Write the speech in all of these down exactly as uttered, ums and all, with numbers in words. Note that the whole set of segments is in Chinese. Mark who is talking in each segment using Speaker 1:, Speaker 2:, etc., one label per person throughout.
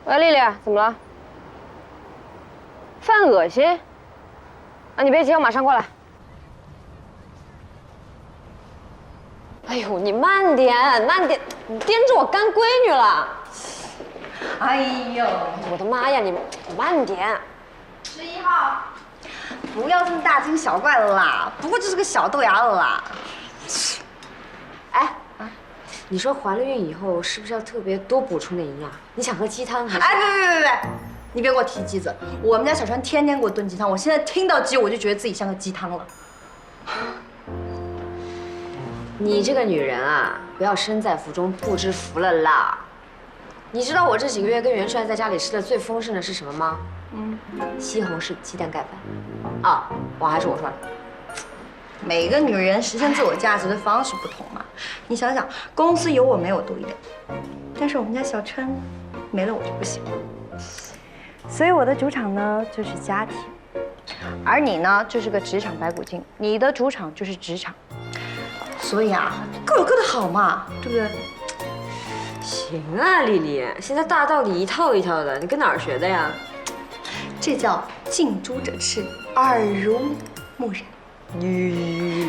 Speaker 1: 喂，丽丽，怎么了？犯恶心？啊，你别急，我马上过来。哎呦，你慢点，慢点，你颠着我干闺女了。
Speaker 2: 哎呦，
Speaker 1: 我的妈呀，你慢点。
Speaker 2: 十一号，不要这么大惊小怪了啦，不过就是个小豆芽了啦。
Speaker 1: 哎，啊，你说怀了孕以后是不是要特别多补充点营养？你想喝鸡汤还是？
Speaker 2: 哎，别别别别，你别给我提鸡子，我们家小川天天给我炖鸡汤，我现在听到鸡我就觉得自己像个鸡汤了。
Speaker 1: 你这个女人啊，不要身在福中不知福了啦。你知道我这几个月跟元帅在家里吃的最丰盛的是什么吗？嗯，西红柿鸡蛋盖饭。啊，我还是我说的。
Speaker 2: 每个女人实现自我价值的方式不同嘛。你想想，公司有我没我多一点，但是我们家小川没了我就不行了。所以我的主场呢就是家庭，而你呢就是个职场白骨精，你的主场就是职场。所以啊，各有各的好嘛，对不对？
Speaker 1: 行啊，丽丽，现在大道理一套一套的，你跟哪儿学的呀？
Speaker 2: 这叫近朱者赤，耳濡目染。
Speaker 1: 吁。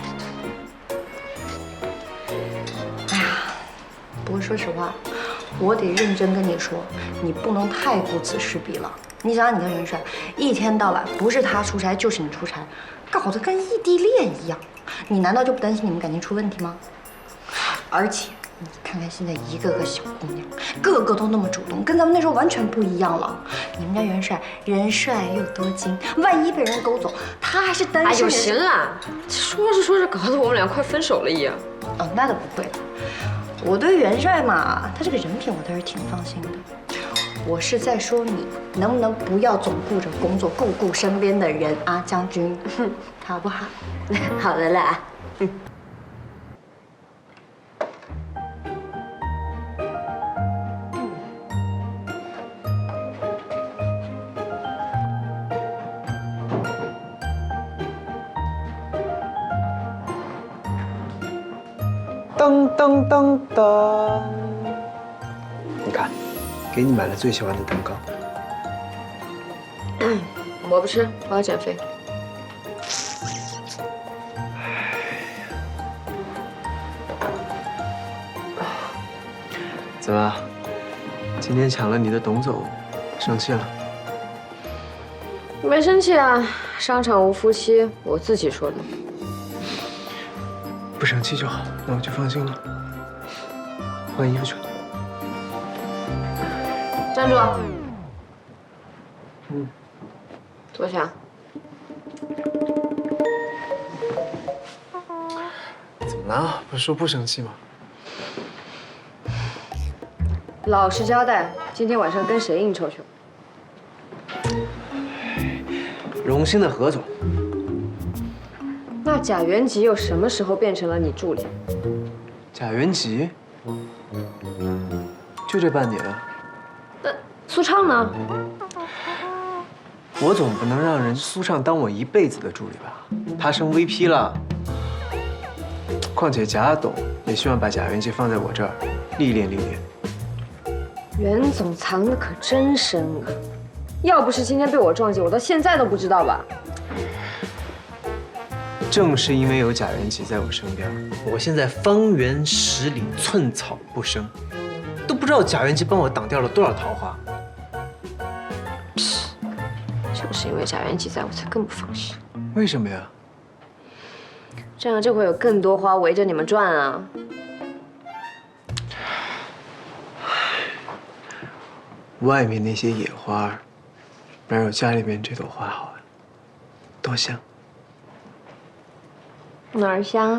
Speaker 2: 哎呀，不过说实话，我得认真跟你说，你不能太顾此失彼了。你想想，你跟元帅一天到晚不是他出差就是你出差，搞得跟异地恋一样，你难道就不担心你们感情出问题吗？而且你看看现在一个个小姑娘，个个都那么主动，跟咱们那时候完全不一样了。你们家元帅人帅又多金，万一被人勾走，他还是单身。
Speaker 1: 哎呦，行了，说着说着搞得我们俩快分手了一样。
Speaker 2: 哦，那倒不会的。我对元帅嘛，他这个人品我倒是挺放心的。我是在说你能不能不要总顾着工作，顾顾身边的人啊，将军，好不好？
Speaker 1: 好的啦。嗯。
Speaker 3: 噔噔噔噔，你看，给你买了最喜欢的蛋糕。
Speaker 1: 嗯，我不吃，我要减肥。
Speaker 3: 怎么，今天抢了你的董总，生气了？
Speaker 1: 没生气啊，商场无夫妻，我自己说的。
Speaker 3: 不生气就好，那我就放心了。换衣服去。
Speaker 1: 站住！
Speaker 3: 嗯，
Speaker 1: 坐下。
Speaker 3: 怎么了？不是说不生气吗？
Speaker 1: 老实交代，今天晚上跟谁应酬去了？
Speaker 3: 荣兴的何总。
Speaker 1: 那贾元吉又什么时候变成了你助理？
Speaker 3: 贾元吉，就这半年啊。
Speaker 1: 那苏畅呢？
Speaker 3: 我总不能让人苏畅当我一辈子的助理吧？他升 V P 了。况且贾董也希望把贾元吉放在我这儿历练历练。
Speaker 1: 袁总藏的可真深啊！要不是今天被我撞见，我到现在都不知道吧。
Speaker 3: 正是因为有贾元吉在我身边，我现在方圆十里寸草不生，都不知道贾元吉帮我挡掉了多少桃花。
Speaker 1: 就是因为贾元吉在，我才更不放心。
Speaker 3: 为什么呀？
Speaker 1: 这样就会有更多花围着你们转啊！
Speaker 3: 外面那些野花，哪有家里面这朵花好啊？多香！
Speaker 1: 哪儿香？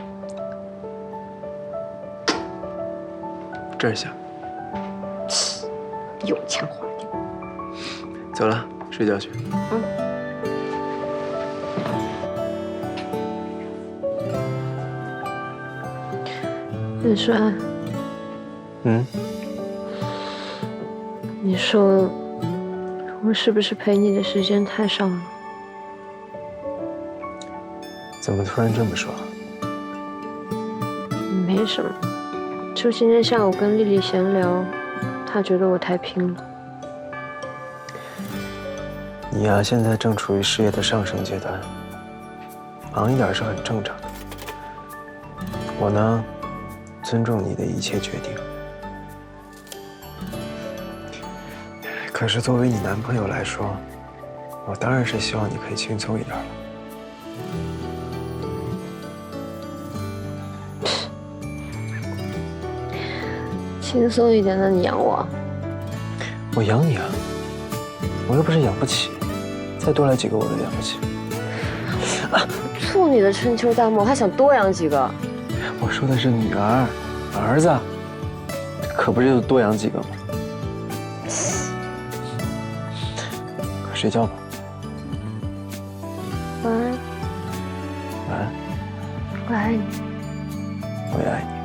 Speaker 3: 这儿香。
Speaker 1: 有腔滑调。
Speaker 3: 走了，睡觉去。
Speaker 1: 嗯。元帅。
Speaker 3: 嗯。
Speaker 1: 你说，我是不是陪你的时间太少了？
Speaker 3: 怎么突然这么说？
Speaker 1: 没什么，就今天下午跟丽丽闲聊， 他觉得我太拼了。
Speaker 3: 你呀，现在正处于事业的上升阶段，忙一点是很正常的。我呢，尊重你的一切决定。可是作为你男朋友来说，我当然是希望你可以轻松一点了。
Speaker 1: 轻松一点，那你养我？
Speaker 3: 我养你啊，我又不是养不起，再多来几个我都养不起。
Speaker 1: 啊，处你的春秋大梦，还想多养几个？
Speaker 3: 我说的是女儿，儿子，可不是就多养几个吗？快睡觉吧。
Speaker 1: 晚安。
Speaker 3: 晚安。
Speaker 1: 我爱你。
Speaker 3: 我也爱你。